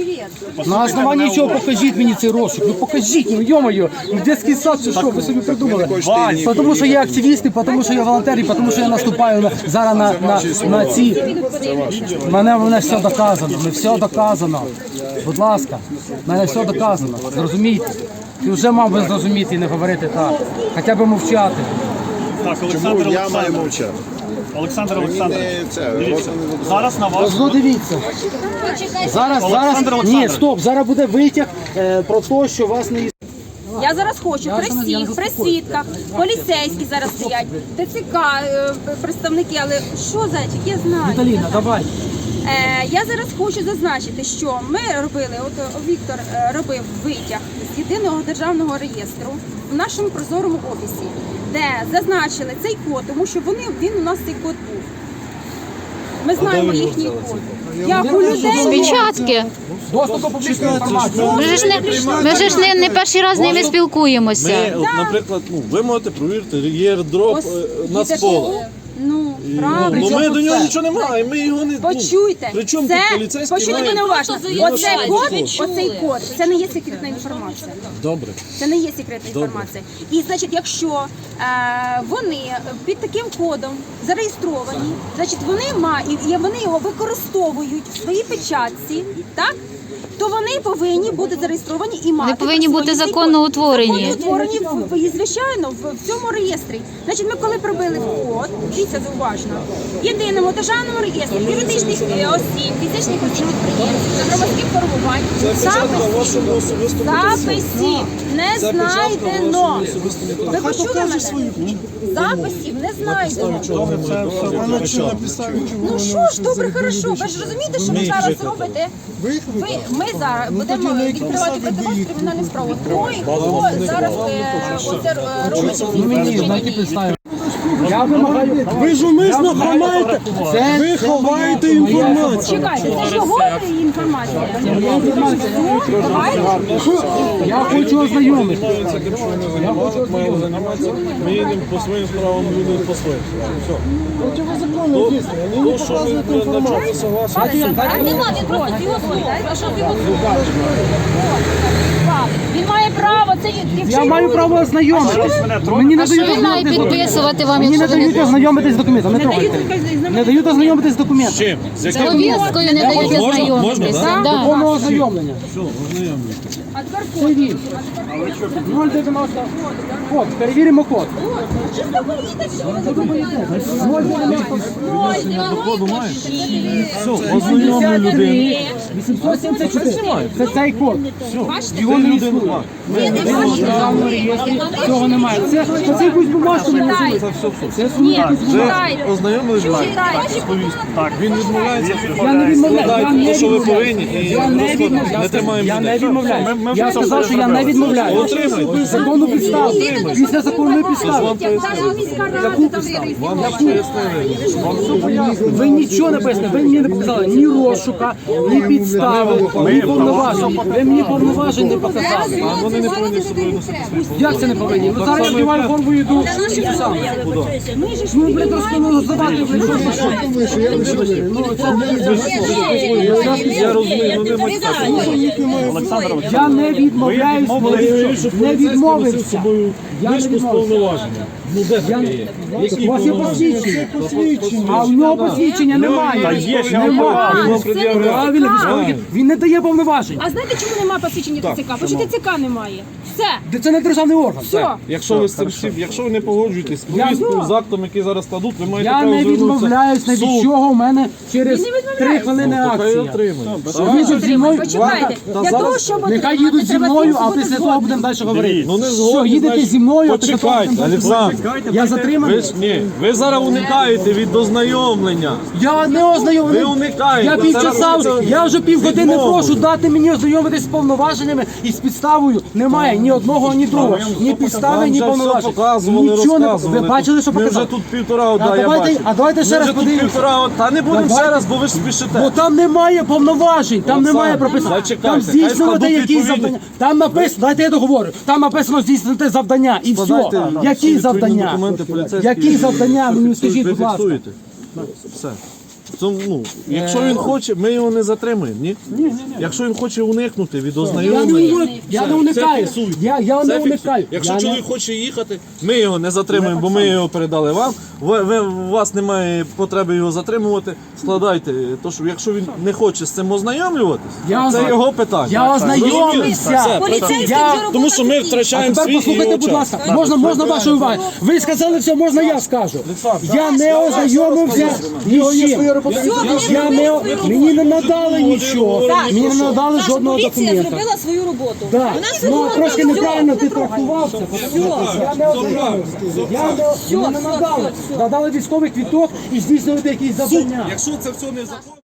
Speaker 1: На основанні чого покажіть мені цей розшук? Ну покажіть, ну йо-моє, ну дитячий сад чи що, ви собі придумали?
Speaker 4: хочете
Speaker 1: Тому що я активіст, і тому що я волонтер, і тому що я наступаю на, зараз на, на, на ці... Мене, мене все доказано, мене все доказано. Будь ласка, мене все доказано, зрозумійте. Ти вже мав би зрозуміти і не говорити так, хоча б мовчати.
Speaker 9: Так,
Speaker 4: Чому
Speaker 9: Олександр
Speaker 4: я маю
Speaker 9: Олександрович.
Speaker 4: мовчати?
Speaker 9: Олександр
Speaker 4: Мені
Speaker 9: Олександрович.
Speaker 4: не це,
Speaker 9: Дивіться,
Speaker 4: розум не
Speaker 9: зараз на вас.
Speaker 1: Ось ну дивіться. Зараз,
Speaker 9: Олександр
Speaker 1: зараз, ні,
Speaker 9: Олександрович.
Speaker 1: стоп, зараз буде витяг е, про те, що вас не
Speaker 6: Я зараз хочу
Speaker 1: Я
Speaker 6: при
Speaker 1: ж не- я не
Speaker 6: всіх, при
Speaker 1: заспокоюсь.
Speaker 6: свідках, поліцейські зараз стоять, ТЦК, е, представники, але що, зайчик, я знаю.
Speaker 1: Віталіна, давай.
Speaker 6: Е, я зараз хочу зазначити, що ми робили, от е, Віктор е, робив витяг з єдиного державного реєстру в нашому прозорому офісі, де зазначили цей код, тому що вони, він у нас цей код був. Ми знаємо їхній код. Як у людей
Speaker 2: Печатки.
Speaker 1: Доступ до публічної інформації.
Speaker 2: Ми ж не, ми ж не, не перший раз з ними спілкуємося.
Speaker 5: Ми, от, наприклад, ну, ви можете провірити єрдроп
Speaker 6: Ось,
Speaker 5: на
Speaker 6: і
Speaker 5: споло.
Speaker 6: такого Ну,
Speaker 5: Ну,
Speaker 6: правильно.
Speaker 5: ми до нього нічого не маємо, ми його не...
Speaker 6: Почуйте,
Speaker 5: При чому
Speaker 6: це,
Speaker 5: тут поліцейський
Speaker 6: почуйте
Speaker 5: має-
Speaker 6: мене уважно.
Speaker 10: Просто
Speaker 6: Оцей
Speaker 10: заявляють,
Speaker 6: код,
Speaker 10: ви чули.
Speaker 6: оцей код, це не є секретна інформація.
Speaker 5: Добре.
Speaker 6: Це не є секретна інформація. І значить, якщо е, вони під таким кодом зареєстровані, значить вони мають, і вони його використовують в своїй печатці, так? То вони повинні бути зареєстровані і мати.
Speaker 2: Вони повинні бути
Speaker 6: присвоєний
Speaker 2: законно
Speaker 6: код.
Speaker 2: утворені.
Speaker 6: Законно утворені, в- в- і, звичайно, в, в цьому реєстрі. Значить, ми коли пробили в код, дивіться зауважно, в єдиному державному реєстрі юридичних е, осіб, фізичних осіб підприємців та громадських формувань записів, записів не знайдено. Ви почули мене? Записів не знайдено. Ну що ж, добре, хорошо. Ви ж розумієте, що ви зараз робите? Ви, ми зараз будемо відкривати КТБ кримінальну справу. Той, хто зараз е, оце е, робить ці
Speaker 1: Я вимагаю.
Speaker 8: Ви ж умисно ховаєте, ви ховаєте інформацію.
Speaker 6: Чекайте, це ж його інформація.
Speaker 1: Я хочу ознайомитися.
Speaker 5: Ми їдемо по своїм справам, люди по своїм. Все.
Speaker 8: Противозаконне дійсно, ви не показуєте інформацію.
Speaker 10: А нема, він просто його слухає. А що його слухає?
Speaker 6: Він має право, це
Speaker 1: Я маю право ознайомитися. Мені не
Speaker 2: А що
Speaker 1: дають
Speaker 2: він має
Speaker 1: ознайомитися.
Speaker 2: підписувати вам,
Speaker 1: Мені не
Speaker 2: якщо ви
Speaker 1: дають
Speaker 2: не
Speaker 1: ознайомитись з документом. Не трогайте. Не дають ознайомитись з документом.
Speaker 5: Чим? З яким?
Speaker 2: повісткою не дають
Speaker 5: Можна?
Speaker 2: ознайомитись?
Speaker 5: Можна,
Speaker 2: Да.
Speaker 1: Повного ознайомлення.
Speaker 6: А тепер
Speaker 1: Це він. нуль дев'яносто. Код. Перевіримо код. нуль дев'яносто.
Speaker 5: Все, ознайомлю людину.
Speaker 1: вісімсот сімдесят чотири. Це цей код. Його
Speaker 5: Ти
Speaker 1: не
Speaker 5: людину
Speaker 1: існує.
Speaker 5: бачиш.
Speaker 1: В державному реєстрі цього немає. Це, це якусь бумажку не носили. Це сумні якусь бумажку.
Speaker 5: Ви ознайомились з вами? Так, він відмовляється.
Speaker 1: Я не відмовляю. Я
Speaker 5: Складайте
Speaker 1: не
Speaker 5: те, що ви
Speaker 1: відмовляю.
Speaker 5: повинні, і
Speaker 1: Я не відмовляю.
Speaker 5: не тримаємо
Speaker 1: Я не
Speaker 5: людей.
Speaker 1: відмовляю. Я сказав, що я не відмовляю.
Speaker 5: Отримайте.
Speaker 1: Законну підставу. Після законної підстави.
Speaker 5: Вам пояснили.
Speaker 1: Ви нічого не пояснили. Ви мені не показали ні розшука, ні підстави, ні повноважень. Ви мені повноважень не показали.
Speaker 5: А вони не повинні з собою носити свої
Speaker 1: Як це не повинні? Ну зараз я вдіваю форму і йду. Ну, блядь, розказувати, блядь, що це що? Ну, це
Speaker 5: Я розумію, ну нема
Speaker 1: я не відмовляюсь, не відмовився. Я не відмовився.
Speaker 5: Ну де таке є?
Speaker 1: У вас є посвідчення, а в нього посвідчення немає. Немає. Правильно, військовий. Він не дає повноважень.
Speaker 6: А знаєте, чому немає посвідчення ТЦК? Бо що ТЦК немає. Все.
Speaker 1: Де це не державний орган.
Speaker 6: Все.
Speaker 5: Якщо ви з цим всім, якщо ви не погоджуєтесь з повісткою, з актом, який зараз кладуть, ви маєте
Speaker 1: Я
Speaker 5: право
Speaker 1: не
Speaker 5: звернутися
Speaker 1: відмовляюсь ні
Speaker 5: в суд.
Speaker 1: від чого. У мене через
Speaker 6: Він не відмовляється.
Speaker 1: три хвилини
Speaker 5: Ну, то хай
Speaker 1: акція.
Speaker 5: отримає.
Speaker 1: Їдуть зі мною.
Speaker 6: Почекайте.
Speaker 5: Та
Speaker 6: Для
Speaker 5: зараз
Speaker 6: того, щоб
Speaker 1: Нехай
Speaker 6: отримати,
Speaker 1: їдуть зі
Speaker 6: треба
Speaker 1: мною, а
Speaker 6: бути
Speaker 1: після того
Speaker 6: згодним.
Speaker 1: будемо далі говорити.
Speaker 5: Ну не
Speaker 1: Все,
Speaker 5: згодні,
Speaker 1: їдете
Speaker 5: значить,
Speaker 1: зі мною, а після того
Speaker 5: почекайте,
Speaker 1: будемо далі
Speaker 5: Олександр.
Speaker 1: говорити. Я затриманий.
Speaker 5: Ви ж ні, ви зараз уникаєте від ознайомлення.
Speaker 1: Я не
Speaker 5: Ви
Speaker 1: ознайомлений.
Speaker 5: уникаєте.
Speaker 1: Я
Speaker 5: Це
Speaker 1: півчаса,
Speaker 5: робиться
Speaker 1: я вже півгодини
Speaker 5: відмовою.
Speaker 1: прошу дати мені ознайомитись з повноваженнями і з підставою. Немає ні одного, ні другого. Ні підстави,
Speaker 5: Вам
Speaker 1: ні
Speaker 5: вже все
Speaker 1: повноважень.
Speaker 5: показували,
Speaker 1: Нічого не
Speaker 5: розказували.
Speaker 1: ви бачили, що
Speaker 5: Ми
Speaker 1: показав?
Speaker 5: вже тут півтора одна,
Speaker 1: А
Speaker 5: я
Speaker 1: давайте-
Speaker 5: бачу.
Speaker 1: а давайте ще
Speaker 5: Ми
Speaker 1: раз
Speaker 5: вже тут
Speaker 1: подивимося.
Speaker 5: півтора, та не будемо
Speaker 1: Давайте.
Speaker 5: ще раз, бо ви ж спішите.
Speaker 1: Бо там немає повноважень, там
Speaker 5: Олександр,
Speaker 1: немає прописано.
Speaker 5: зачекайте,
Speaker 1: Там
Speaker 5: хай
Speaker 1: здійснювати
Speaker 5: складуть
Speaker 1: якісь
Speaker 5: відповідні-
Speaker 1: завдання. Там написано, дайте я договорю. Там написано здійснити завдання і все.
Speaker 5: Складайте всі
Speaker 1: Які
Speaker 5: відповідні
Speaker 1: завдання?
Speaker 5: документи поліцейські.
Speaker 1: Які завдання? Мені скажіть,
Speaker 5: Ви
Speaker 1: будь ласка.
Speaker 5: фіксуєте. Все. Це, ну, якщо він хоче, ми його не затримуємо, ні? Якщо він хоче уникнути від
Speaker 1: Я не,
Speaker 5: ознайомлення,
Speaker 1: уни- я не
Speaker 5: це
Speaker 1: уникаю.
Speaker 5: фіксуйте.
Speaker 1: Я, я
Speaker 5: Це
Speaker 1: не
Speaker 5: фіксуйте.
Speaker 1: уникаю.
Speaker 5: Якщо
Speaker 1: Я не-
Speaker 5: чоловік хоче їхати, ми його не затримуємо, бо ми його передали вам. Ви, ви, у вас немає потреби його затримувати. Складайте. То, що якщо він не хоче з цим ознайомлюватись,
Speaker 1: Я
Speaker 5: це
Speaker 1: озна-
Speaker 5: його питання.
Speaker 1: Я
Speaker 5: Розумієте?
Speaker 1: ознайомився.
Speaker 5: Все,
Speaker 10: Поліцейський
Speaker 1: Я-
Speaker 10: вже
Speaker 5: Тому що ми
Speaker 10: робота
Speaker 5: втрачаємо
Speaker 1: Тепер
Speaker 5: свій і
Speaker 1: послухайте,
Speaker 5: його
Speaker 1: будь
Speaker 5: час.
Speaker 1: ласка, можна, можна вашої уваги. Ви сказали все, можна я скажу. Я не ознайомився ні з чим. Я не, мені не надали нічого. Мені не надали
Speaker 10: Наша
Speaker 1: жодного
Speaker 10: поліція
Speaker 1: документа.
Speaker 10: зробила свою роботу.
Speaker 1: Так,
Speaker 10: Вона
Speaker 1: ну
Speaker 10: зробила
Speaker 1: трошки
Speaker 10: все.
Speaker 1: неправильно ти трактувався. Я не ознайомився. Я не, мені не надали. Надали військовий квіток і здійснювати якісь завдання.
Speaker 5: Якщо це все не закон.